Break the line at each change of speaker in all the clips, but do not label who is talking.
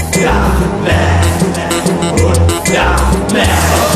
ดาแม่พุทธาแม่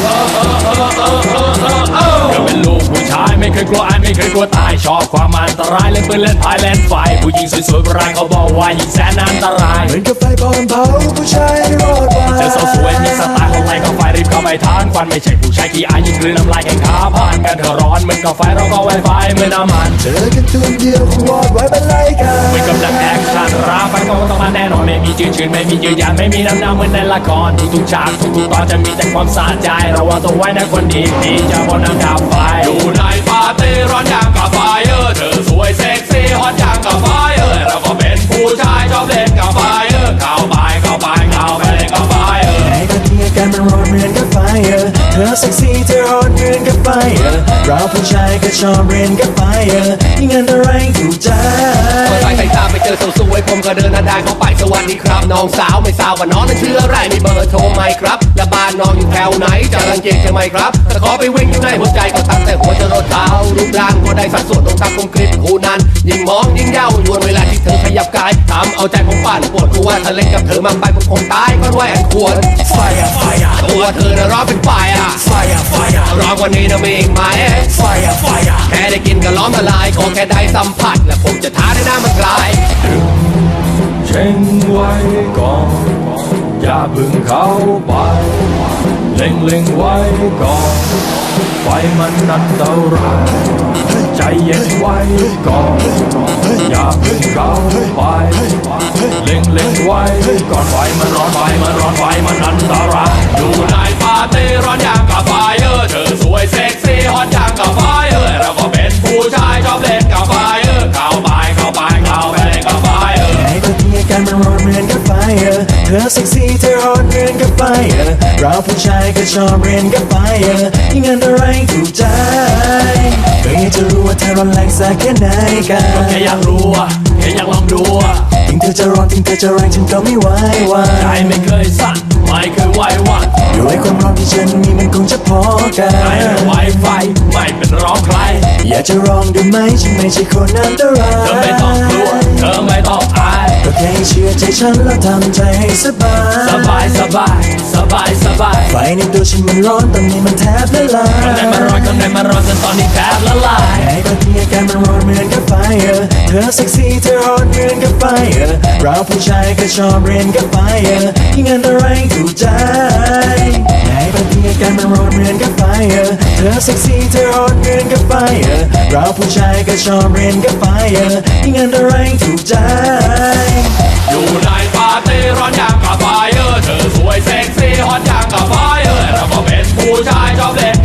ก็เป็นลูกผู้ชายไม่เคยกลัวอายไม่เคยกลัวตายชอบความอันตรายเล่นปืนเล่นพายเล่นไฟผู้หญิงสวยๆโบราณเขาบอกว่ายิ่งแสนอันตราย
เหมือนกับไฟพร้อมเผาผู้ชายรอดมา
เธอสาวสวยมีสไตล์ของไรก็ไฟรีบเข้าไปทานควันไม่ใช่ผู้ชายขี้อายยิ่งกลืนน้ำลายแข่งขาผ่านกันเธอร้อนเหมือนกับไฟเราก็ไวไฟเหมือนน้ำมัน
เจอกันตัวเดียวคงวอดไว้เป็นไรกัน
เหมือนกับนักแอคชั่นราฟันก็ต้องมาแน่นอนไม่มีจืดชืนไม่มียืดยานไม่มีน้ำหน้าเหมือนในละครทุกๆฉากทุกๆตอนจะมีแต่ความสะใจระวังตัวไว้นะคนดีดีจะบนน้ำดาวไฟอยู่ในปาร์ตี้ร้อนอย่างกับไฟเธอสวยเซ็กซี่ฮอตอย่างกับไฟเราก็เป็นผู้ชายชอบเล่นกับไฟเข้าไปเข้าไปเข้าไปเล่นกับไฟ
ในตอนนี้อาการมันร้อนเหมือนกับไฟเธอเซ็กซี่เธอฮอตเหมือนกับไฟเราผู้ชายก็ชอบเรียนกับไฟยิ่งอันตรายถูกใจ
พอสายสายตาไปเจอสวยๆผมก็เดินหน้าด้านเข้าไปสวัสดีครับน้องสาวไม่ทราบว่าน้องนั้นชื่ออะไรมีเบอร์โทรไหมครับและบ้านน้องอยู่แถวไหนจะรังเกียจใช่ไหมครับแต่ขอไปวิ่งอยู่ในหัวใจก็ตั้งแต่หัวจรดเท้ารูปร่างก็ได้สัดส่วนองค์ตาคมกริบคู่นั้นยิ่งมองยิ่งเย้ายวนเวลาที่เธอขยับกายทำเอาใจผมปั่นปวดหัวถ้าเล่นกับเธอมากไปผมคงตายก็ด้วยอันควร
ไฟไฟ
ตัวเธอน่ะร้อนเป็นไฟ
ไฟไฟ
ร้อนกว่านี้นะมีอีกไหม
ไฟไฟ
แค่ได้กินก็ร้อนละลายขอแค่ได้สัมผัสและผมจะท้าได้หน้ามันกลาย
เช็งไว้ก่อนอย่าพึ่งเข้าไปเล็งไว้ก่อนไฟมันอันตรายใจเย็นไว้ก่อนอย่าพึ่งเข้าไปเล็งไว้ก่อนไฟมันร้อนไฟมันร้อนไฟมันอันตรายอยู่ในปาร์ตี้ร้อนอย่างกับไฟเธอสวยเซ็กซี่ฮอตอย่างกับไฟเราก็เป็นผู้ชายชอบเล่นกับไฟเข้าไปเข้าไปเข้าไปเล่นกับไฟ
ในตอนนี้อาการมันร้อนเหมือนกับไฟเธอเซ็กซี่เธอฮอตเหมือนกับไฟเราผู้ชายก็ชอบเรียนกับไฟยิ่งอันตรายถูกใจก็อยากจะรู้ว่าเธอร้อนแรงสักแค่ไหนกัน
ก็แค่อยากรู้แค่อยากลองดู
ถึงเธอจะร้อนถึงเธอจะแรงฉันก็ไม่ไหววัน
ใจไม่เคยสั่นไม่เคยไหววัน
ด้วยความร้อนที่ฉันมีมันคงจะพอกัน
ไม่ไหวไฟไม่เป็นร้องใคร
อยากจะลองดูไหมฉันไม่ใช่คนอันตราย
เธอไม่ต้องกลัวเธอไม่ต้องอาย
ก็แค่เชื่อใจฉันแล้วทำใจให้สบาย
สบายสบายสบายสบาย
ไฟในตัวฉันมันร้อนตอนนี้มันแทบละลาย
ข้างในมันร้อนข้างในมันร้อนจนตอนนี้แทบละลาย
ในตอนที่อาการมันร้อนเหมือนกับไฟเธอเซ็กซี่เธอฮอตเหมือนกับไฟเราผู้ชายก็ชอบเรียนกับไฟยิ่งอันตรายถูกใจในตอนที่อาการมันร้อนเหมือนกับไฟเธอเซ็กซี่เธอฮอตเหมือนกับไฟเราผู้ชายก็ชอบเรียนกับไฟยิ่งอันตรายถูกใจ
อยู่ในปาร์ตี้ร้อนอย่างกับไฟเธอสวยเซ็กซี่ฮอตอย่างกับไฟเราก็เป็นผู้ชายชอบเล่น